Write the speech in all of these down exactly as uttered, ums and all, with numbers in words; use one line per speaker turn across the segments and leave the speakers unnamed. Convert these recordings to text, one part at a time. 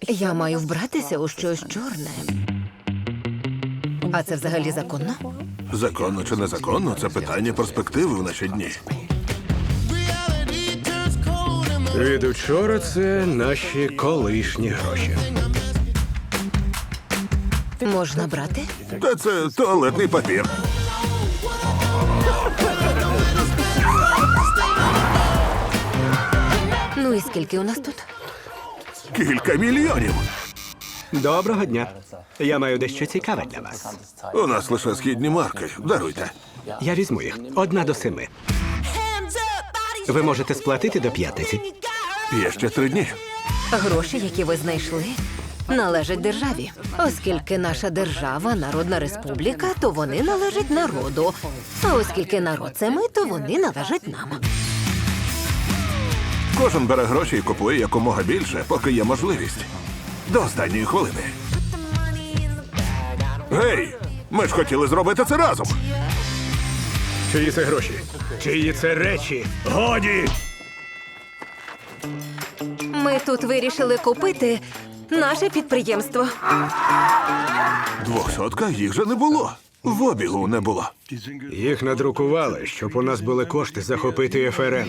Я маю вбратися у щось чорне. А це взагалі законно?
Законно чи незаконно – це питання перспективи в наші дні.
Від учора це наші колишні гроші.
Можна брати?
Та це туалетний папір.
Ну і скільки у нас тут?
Кілька мільйонів.
Доброго дня. Я маю дещо цікаве для вас.
У нас лише східні марки. Даруйте.
Я візьму їх. Одна до семи. Ви можете сплатити до п'ятниці.
Є ще три дні.
Гроші, які ви знайшли, належать державі. Оскільки наша держава – народна республіка, то вони належать народу. А оскільки народ – це ми, то вони належать нам.
Кожен бере гроші і купує якомога більше, поки є можливість. До останньої хвилини. Гей! Ми ж хотіли зробити це разом.
Чиї це гроші? Чиї це речі? Годі!
Ми тут вирішили купити наше підприємство.
Двохсотка їх же не було. В обігу не було.
Їх надрукували, щоб у нас були кошти захопити еф ер ен.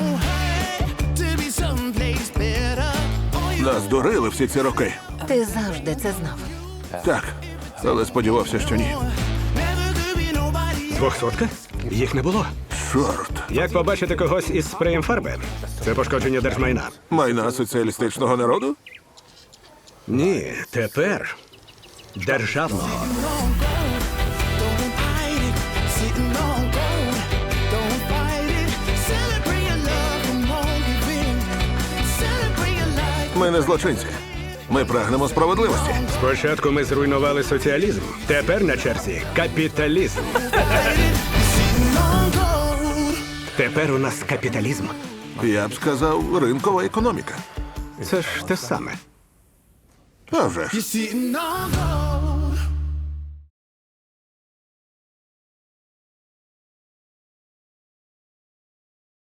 Нас дурили всі ці роки.
Ти завжди це знав.
Так, але сподівався, що ні.
Двохсотка? Їх не було.
Чорт.
Як побачити когось із спреєм фарби? Це пошкодження держмайна.
Майна соціалістичного народу?
Ні, тепер державного.
Ми не злочинці. Ми прагнемо справедливості.
Спочатку ми зруйнували соціалізм. Тепер на черзі капіталізм. Тепер у нас капіталізм.
Я б сказав, ринкова економіка.
Це ж те саме.
А вже ж.
Sitting on gold.